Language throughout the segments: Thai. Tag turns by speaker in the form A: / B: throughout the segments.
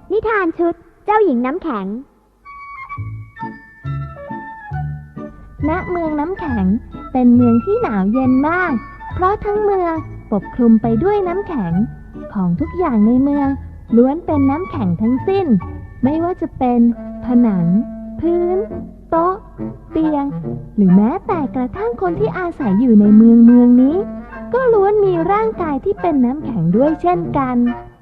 A: นิทานชุดเจ้าหญิงน้ำแข็งณเมืองน้ำแข็งเป็นเมืองที่หนาวเย็นมากเพราะทั้งเมืองปกคลุมไปด้วยน้ำแข็งของทุกอย่างในเมืองล้วนเป็นน้ำแข็งทั้งสิ้นไม่ว่าจะเป็นผนังพื้นโต๊ะเตียงหรือแม้แต่กระทั่งคนที่อาศัยอยู่ในเมืองนี้ก็ล้วนมีร่างกายที่เป็นน้ำแข็งด้วยเช่นกัน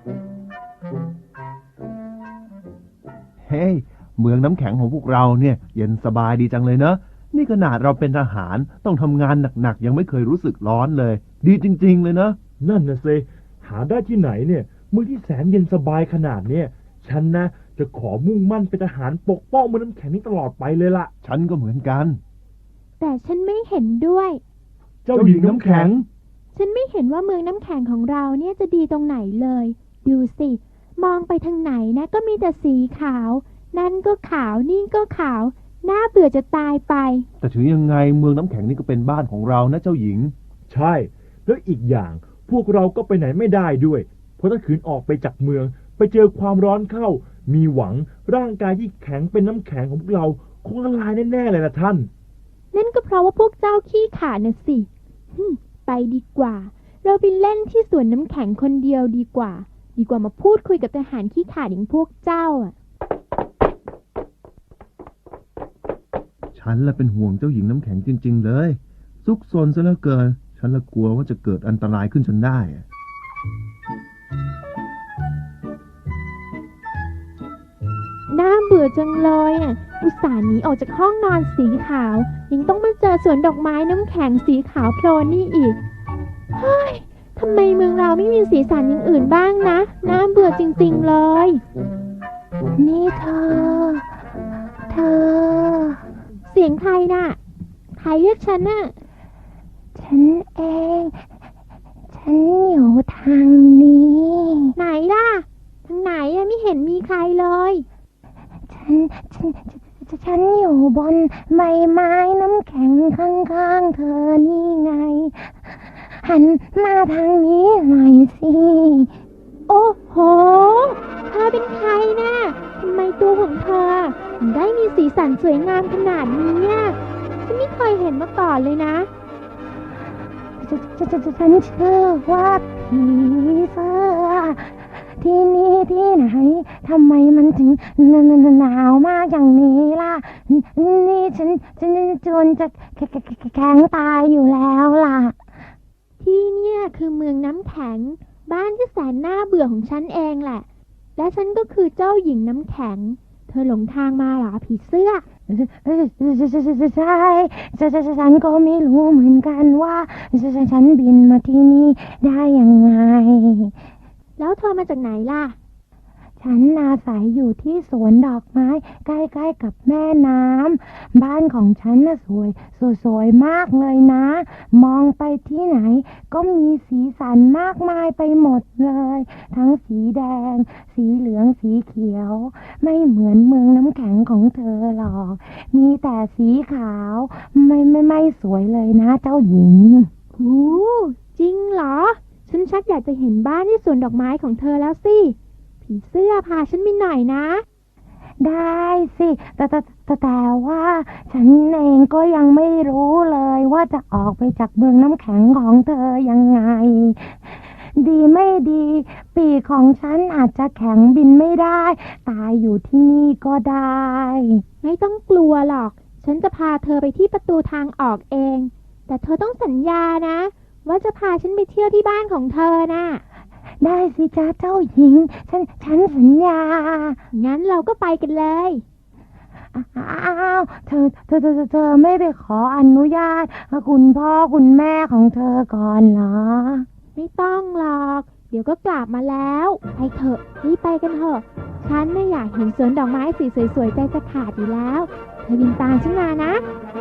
B: เฮ้ยเมืองน้ำแข็งของพวกเราเนี่ยเย็นสบายดีจังเลยเนอะนี่ขนาดเราเป็นทหารต้องทำงานหนักๆยังไม่เคยรู้สึกร้อนเลยดีจริงๆเลยเนอะ
C: นั่นนะสิหาได้ที่ไหนเนี่ยเมืองที่แสนเย็นสบายขนาดเนี่ยฉันนะจะขอมุ่งมั่นเป็นทหารปกป้องเมืองน้ำแข็งนี้ตลอดไปเลยล่ะ
B: ฉันก็เหมือนกัน
A: แต่ฉันไม่เห็นด้วย
C: เจ้าหญิงน้ำแข็ง
A: ฉันไม่เห็นว่าเมืองน้ำแข็งของเราเนี่ยจะดีตรงไหนเลยดูสิมองไปทางไหนนะก็มีแต่สีขาวนั่นก็ขาวนี่ก็ขาวน่าเบื่อจะตายไป
B: แต่ถึงยังไงเมืองน้ำแข็งนี่ก็เป็นบ้านของเรานะเจ้าหญิง
C: ใช่แล้วอีกอย่างพวกเราก็ไปไหนไม่ได้ด้วยเพราะถ้าขืนออกไปจากเมืองไปเจอความร้อนเข้ามีหวังร่างกายที่แข็งเป็นน้ำแข็งของพวกเราคงละลายแน่ๆเลยนะท่าน
A: นั่นก็เพราะว่าพวกเจ้าขี้ขลาดนะสิไปดีกว่าเราไปเล่นที่สวนน้ำแข็งคนเดียวดีกว่ามาพูดคุยกับทหารขี้ขลาดอย่างพวกเจ้าอ่ะ
B: ฉันละเป็นห่วงเจ้าหญิงน้ำแข็งจริงๆเลยซุกซนซะเหลือเกินฉันละกลัวว่าจะเกิดอันตรายขึ้นจนได้
A: น่าเบื่อจังเลยอ่ะอุตส่าห์หนีออกจากห้องนอนสีขาวยังต้องมาเจอสวนดอกไม้น้ำแข็งสีขาวโพลนนี่อีกเฮ้ยทำไมเมืองเราไม่มีสีสันอย่างอื่นบ้างนะน่าเบื่อจริงๆเลยนี่เธอเสียงใครน่ะใครเรียกฉันน่ะฉันเองฉันอยู่ทางนี้ไหนล่ะทางไหนอะไม่เห็นมีใครเลยฉันอยู่บนใบไม้น้ำแข็งข้างๆเธอนี่ไงหันมาทางนี้หน่อยสิโอ้โหเธอเป็นใครนะทำไมตัวของเธอถึงได้มีสีสันสวยงามขนาดนี้ฉันไม่เคยเห็นมาก่อนเลยนะฉันเชื่อว่าผีเสื้อที่นี่ที่ไหนทำไมมันถึงหนาวมากอย่างนี้ล่ะนี่ฉันจนจะแข็งตายอยู่แล้วล่ะที่เนี่ยคือเมืองน้ำแข็งบ้านที่แสนน่าเบื่อของฉันเองแหละและฉันก็คือเจ้าหญิงน้ำแข็งเธอหลงทางมาเหรอผีเสื้อใช่ฉันก็ไม่รู้เหมือนกันว่าฉันบินมาที่นี่ได้ยังไงแล้วเธอมาจากไหนล่ะฉันอาศัยอยู่ที่สวนดอกไม้ใกล้ๆกับแม่น้ำบ้านของฉันน่ะสวยมากเลยนะมองไปที่ไหนก็มีสีสันมากมายไปหมดเลยทั้งสีแดงสีเหลืองสีเขียวไม่เหมือนเมืองน้ำแข็งของเธอหรอกมีแต่สีขาวไม่สวยเลยนะเจ้าหญิงจริงเหรอฉันชักอยากจะเห็นบ้านที่สวนดอกไม้ของเธอแล้วสิผีเสื้อพาฉันไปหน่อยนะได้สิแต่ว่าฉันเองก็ยังไม่รู้เลยว่าจะออกไปจากเมืองน้ำแข็งของเธอยังไงดีไม่ดีปีกของฉันอาจจะแข็งบินไม่ได้ตายอยู่ที่นี่ก็ได้ไม่ต้องกลัวหรอกฉันจะพาเธอไปที่ประตูทางออกเองแต่เธอต้องสัญญานะว่าจะพาฉันไปเที่ยวที่บ้านของเธอน่ะได้สิจ้าเจ้าหญิงฉันสัญญางั้นเราก็ไปกันเลยอ้าวเธอไม่ไปขออนุญาตคุณพ่อคุณแม่ของเธอก่อนเหรอไม่ต้องหรอกเดี๋ยวก็กลับมาแล้วไปเถอะรีบไปกันเถอะฉันไม่อยากเห็นสวนดอกไม้สีสวยๆใจจะขาดอยู่แล้วเธอบินตามฉันมานะ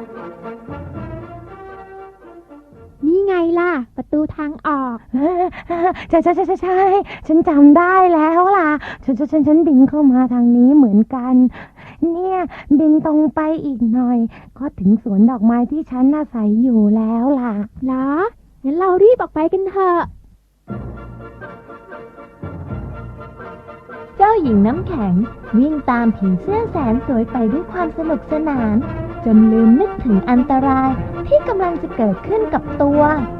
A: นี่ไงล่ะประตูทางออกใช่ฉันจำได้แล้วล่ะฉันบินเข้ามาทางนี้เหมือนกันเนี่ยบินตรงไปอีกหน่อยก็ถึงสวนดอกไม้ที่ฉันอาศัยอยู่แล้วล่ะเหรองั้นเรารีบออกไปกันเถอะ
D: เจ้าหญิงน้ำแข็งวิ่งตามผีเสื้อแสนสวยไปด้วยความสนุกสนานจนลืมนึกถึงอันตรายที่กำลังจะเกิดขึ้นกับตัว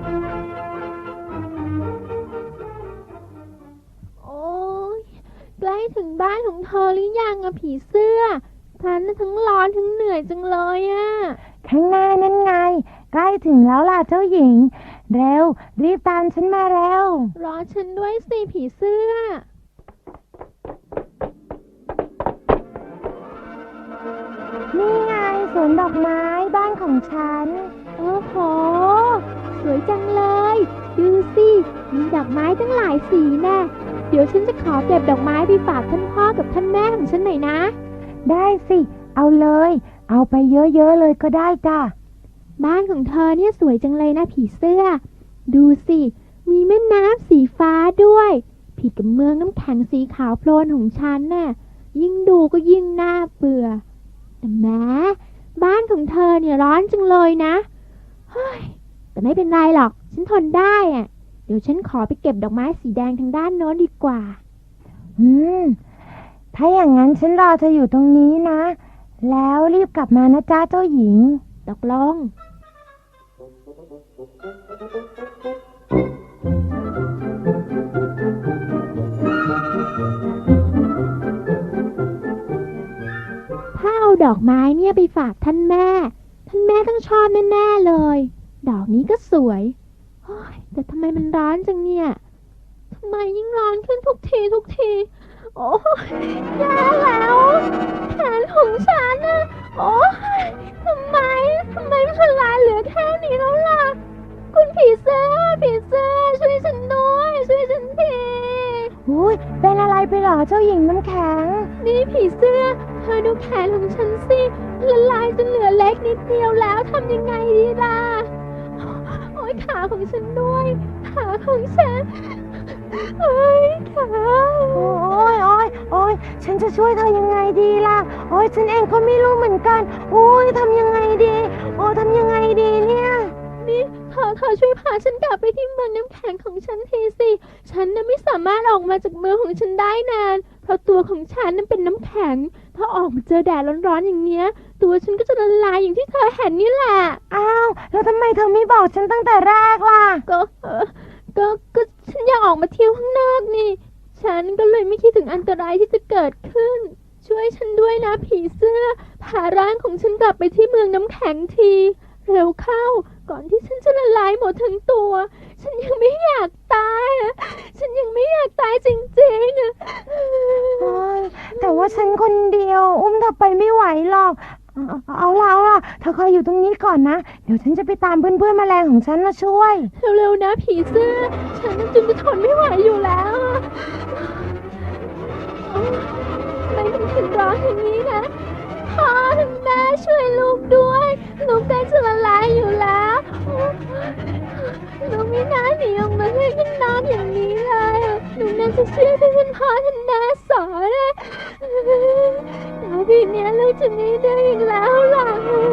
A: โอ้ยใกล้ถึงบ้านของเธอหรือยังอะผีเสื้อฉันน่ะทั้งร้อนทั้งเหนื่อยจังเลยอะข้างหน้านั่นไงใกล้ถึงแล้วล่ะเจ้าหญิงเร็วรีบตามฉันมาเร็วรอฉันด้วยสิผีเสื้อนี่ไงสวนดอกไม้บ้านของฉันโอ้โหสวยจังเลยดูสิมีดอกไม้ตั้งหลายสีแน่เดี๋ยวฉันจะขอเก็บดอกไม้ไปฝากท่านพ่อกับท่านแม่ของฉันหน่อยนะได้สิเอาเลยเอาไปเยอะๆเลยก็ได้จ้ะบ้านของเธอเนี่ยสวยจังเลยนะผีเสื้อดูสิมีแม่น้ำสีฟ้าด้วยผิดกับเมืองน้ำแข็งสีขาวโพลนของฉันน่ะยิ่งดูก็ยิ่งน่าเบื่อแต่แม้บ้านของเธอเนี่ยร้อนจังเลยนะเฮ้ยแต่ไม่เป็นไรหรอกฉันทนได้อ่ะเดี๋ยวฉันขอไปเก็บดอกไม้สีแดงทางด้านโน้นดีกว่าถ้าอย่างนั้นฉันรอเธออยู่ตรงนี้นะแล้วรีบกลับมานะจ้าเจ้าหญิงตกลงถ้าเอาดอกไม้เนี่ยไปฝากท่านแม่ต้องชอบแน่ๆเลยดอกนี้ก็สวยแต่ทำไมมันร้อนจังเนี่ยทำไมยิ่งร้อนขึ้นทุกทีโอ้ยแย่แล้วแขนของฉันน่ะโอ้ยทำไมมันทลายเหลือแค่นี้แล้วล่ะคุณผีเสื้อช่วยฉันด้วยช่วยฉันทีอุ้ยเป็นอะไรไปหรอเจ้าหญิงน้ำแข็งนี่ผีเสื้อเธอดูแขนของฉันสิละลายจนเหลือเล็กนิดเดียวแล้วทำยังไงดีล่ะโอ้ยขาของฉันด้วยขาของฉันโอ้ยขาโอ้ยฉันจะช่วยเธอยังไงดีล่ะโอ้ยฉันเองก็ไม่รู้เหมือนกันโอ้ยทำยังไงดีทำยังไงดีเนี่ยนี่เธอช่วยพาฉันกลับไปที่เมืองน้ำแข็งของฉันทีสิฉันน่ะไม่สามารถออกมาจากเมืองของฉันได้นานเพราะตัวของฉันนั้นเป็นน้ำแข็งถ้าออกมาเจอแดดร้อนๆอย่างเงี้ยตัวฉันก็จะละลายอย่างที่เธอเห็นนี่แหละอ้าวแล้วทำไมเธอไม่บอกฉันตั้งแต่แรกล่ะก็ฉันอยากออกมาเที่ยวข้างนอกนี่ฉันก็เลยไม่คิดถึงอันตรายที่จะเกิดขึ้นช่วยฉันด้วยนะผีเสื้อพาร่างของฉันกลับไปที่เมืองน้ำแข็งทีเร็วเข้าก่อนที่ฉันจะละลายหมดทั้งตัวฉันยังไม่อยากตายฉันยังไม่อยากตายจริงๆแต่ว่าฉันคนเดียวอุ้มเธอไปไม่ไหวหรอกเอาล่ะเธอคอยอยู่ตรงนี้ก่อนนะเดี๋ยวฉันจะไปตามเพื่อนๆแมลงของฉันมาช่วยเร็วๆนะผีเสื้อฉันจนจะทนไม่ไหวอยู่แล้วไม่ถึงร้อนอย่างนี้นะพ่อถึงแม่ช่วยลูกด้วยลูกใกล้จะละลายอยู่แล้วลูกไม่น่าหนีออกมาเล่นข้างนอกอย่างนี้เลยหนูน่าจะเชื่อที่ท่านพ่อท่านแม่สอนแต่ทีเนี้ยลูกจะไม่ได้อีกแล้วล่ะ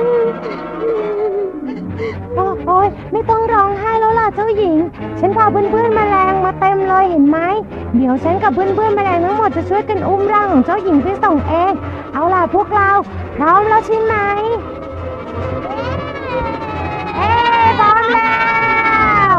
A: โอ๊ยไม่ต้องร้องไห้แล้วล่ะเจ้าหญิงฉันพาเพื่อนๆแมลงมาเต็มเลยเห็นไหมเดี๋ยวฉันกับเพื่อนๆแมลงทั้งหมดจะช่วยกันอุ้มร่างของเจ้าหญิงไปส่งเองเอาล่ะพวกเราพร้อมแล้วใช่ไหมพร้อมแล้ว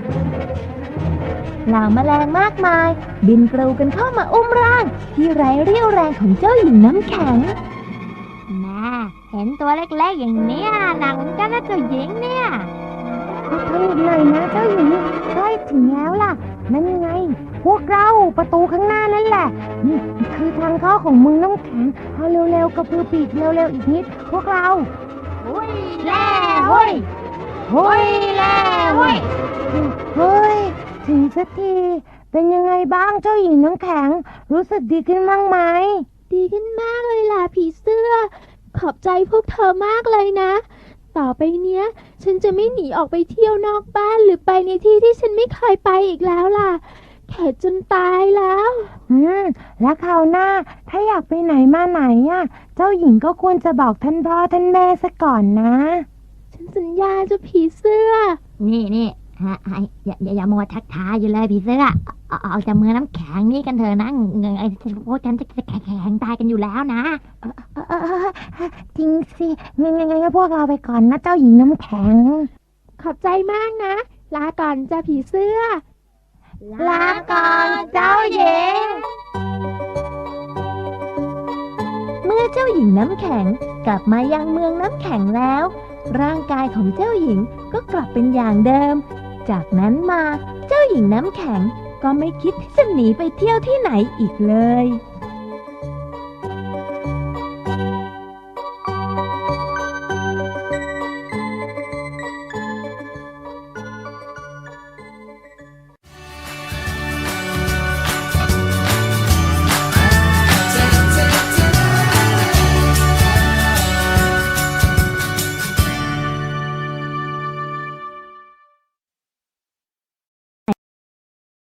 D: เหล่าแมลงมากมายบินกรูกันเข้ามาอุ้มร่างที่ไร้เรี่ยวแรงของเจ้าหญิงน้ำแข็งเห็นตัวเล็กๆอย่างเนี้ยหนักเหมือนกันนะเจ้าหญิงเนี่ย
A: อดทนอีกหน่อยนะเจ้าหญิงใกล้ถึงแล้วล่ะนั่นไงพวกเราประตูข้างหน้านั่นแหละนี่คือทางเข้าของเมืองน้ำแข็งเอาเร็วๆกระพือปีกเร็วๆอีกนิดพวกเรา
D: หุยแล่หุยแล่หุย
A: เฮ้ยถึงสักทีเป็นยังไงบ้างเจ้าหญิงน้ำแข็งรู้สึกดีขึ้นบ้างไหมดีขึ้นมากเลยล่ะผีเสื้อขอบใจพวกเธอมากเลยนะต่อไปเนี้ยฉันจะไม่หนีออกไปเที่ยวนอกบ้านหรือไปในที่ที่ฉันไม่เคยไปอีกแล้วล่ะแข็งจนตายแล้วแล้วคราวหน้าถ้าอยากไปไหนมาไหนเจ้าหญิงก็ควรจะบอกท่านพ่อท่านแม่ซะก่อนนะฉันสัญญาจะผีเสื้อ
D: นี่ฮะอย่ามัวทักทายอยู่เลยพี่เสื้อเอาจากเมืองน้ำแข็งนี่กันเถอะนะพวกฉันจะแข็งตายกันอยู่แล้วนะ
A: จริงสิงั้นพวกเราไปก่อนนะเจ้าหญิงน้ำแข็ง
E: ขอบใจมากนะ ลาก่อนจ้าผีเสื้อ
A: ลาก่อนเจ้าหญิง
D: เมื่อเจ้าหญิงน้ำแข็งกลับมายังเมืองน้ำแข็งแล้ว ร่างกายของเจ้าหญิงก็กลับเป็นอย่างเดิม จากนั้นมาเจ้าหญิงน้ำแข็งก็ไม่คิดที่จะหนีไปเที่ยวที่ไหนอีกเลย